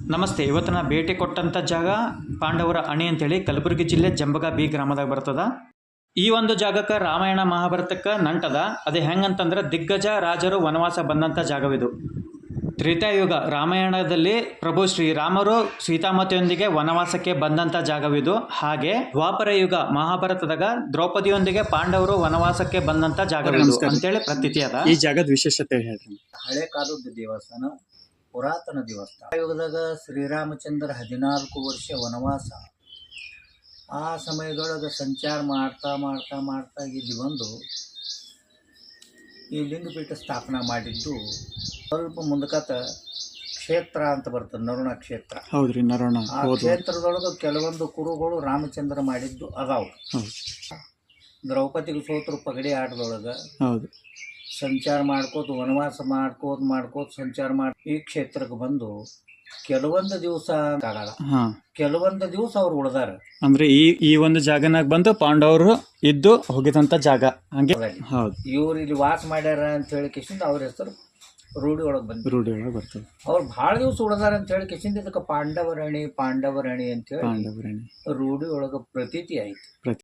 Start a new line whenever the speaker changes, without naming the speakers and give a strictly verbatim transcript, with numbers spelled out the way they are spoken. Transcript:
ನಮಸ್ತೆ. ಇವತ್ತು ನಾ ಭೇಟಿ ಕೊಟ್ಟಂಥ ಜಾಗ ಪಾಂಡವರ ಅಣಿ ಅಂತೇಳಿ ಕಲಬುರಗಿ ಜಿಲ್ಲೆ ಜಂಬಗ ಬಿ ಗ್ರಾಮದಾಗ ಬರ್ತದ. ಈ ಒಂದು ಜಾಗಕ್ಕೆ ರಾಮಾಯಣ ಮಹಾಭಾರತಕ್ಕೆ ನಂಟದ. ಅದು ಹೆಂಗಂತಂದ್ರೆ ದಿಗ್ಗಜ ರಾಜರು ವನವಾಸ ಬಂದಂಥ ಜಾಗವಿದು. ತ್ರೇತಾಯುಗ ರಾಮಾಯಣದಲ್ಲಿ ಪ್ರಭು ಶ್ರೀರಾಮರು ಸೀತಾಮಾತೆಯೊಂದಿಗೆ ವನವಾಸಕ್ಕೆ ಬಂದಂಥ ಜಾಗವಿದು. ಹಾಗೆ ದ್ವಾಪರ ಯುಗ ಮಹಾಭಾರತದಾಗ ದ್ರೌಪದಿಯೊಂದಿಗೆ ಪಾಂಡವರು ವನವಾಸಕ್ಕೆ ಬಂದಂಥ ಜಾಗವಿದು ಅಂತೇಳಿ ಪ್ರತೀತಿ ಅದ.
ಈ ಜಾಗದ ವಿಶೇಷತೆ ಹೇಳ್ರಿ.
ಹಳೆ ಕಾಲದ ದೇವಸ್ಥಾನ, ಪುರಾತನ ದೇವಸ್ಥಾನ. ಯುಗದಾಗ ಶ್ರೀರಾಮಚಂದ್ರ ಹದಿನಾಲ್ಕು ವರ್ಷ ವನವಾಸ. ಆ ಸಮಯದೊಳಗೆ ಸಂಚಾರ ಮಾಡ್ತಾ ಮಾಡ್ತಾ ಮಾಡ್ತಾ ಇಲ್ಲಿ ಬಂದು ಈ ಲಿಂಗಪೀಠ ಸ್ಥಾಪನಾ ಮಾಡಿದ್ದು. ಸ್ವಲ್ಪ ಮುಂದಕತ ಕ್ಷೇತ್ರ ಅಂತ ಬರ್ತದೆ, ನರುಣ ಕ್ಷೇತ್ರ.
ಹೌದ್ರಿ, ನರುಣ.
ಆ ಕ್ಷೇತ್ರದೊಳಗೆ ಕೆಲವೊಂದು ಕುರುಗಳು ರಾಮಚಂದ್ರ ಮಾಡಿದ್ದು ಅದಾವು. ದ್ರೌಪದಿಗೆ ಸೋತರು ಪಗಡಿ ಆಟದೊಳಗೆ.
ಹೌದು.
ಸಂಚಾರ ಮಾಡ್ಕೋತ ವನವಾಸ ಮಾಡ್ಕೋತ ಮಾಡ್ಕೋತ ಸಂಚಾರ ಮಾಡಿ ಈ ಕ್ಷೇತ್ರಕ್ಕೆ ಬಂದು ಕೆಲವೊಂದು ದಿವಸ ಆಗಲ್ಲ, ಕೆಲವೊಂದು ದಿವಸ ಅವ್ರು ಉಳ್ದಾರ.
ಅಂದ್ರೆ ಈ ಈ ಒಂದು ಜಾಗನಾಗ ಬಂದು ಪಾಂಡವರು ಇದ್ದು ಹೋಗಿದಂತ ಜಾಗ ಹಂಗೆ. ಹೌದು.
ಇವ್ರು ಇಲ್ಲಿ ವಾಸ ಮಾಡ್ಯಾರ ಅಂತ ಹೇಳಿ ಕಿಶಿಂದ ಅವ್ರ ಹೆಸರು ರೂಢಿ ಒಳಗೆ ಬಂದು
ರೂಢಿ ಒಳಗೆ ಬರ್ತದೆ.
ಅವ್ರು ಭಾಳ ದಿವಸ ಉಳ್ದಾರ ಅಂತ ಹೇಳಿ ಕಿಶಿಂದ ಇದಕ್ಕೆ ಪಾಂಡವರಣಿ ಪಾಂಡವರಣಿ ಅಂತ ಹೇಳಿ
ಪಾಂಡವರಣಿ
ರೂಢಿ ಒಳಗೆ ಪ್ರತೀತಿ ಆಯ್ತು.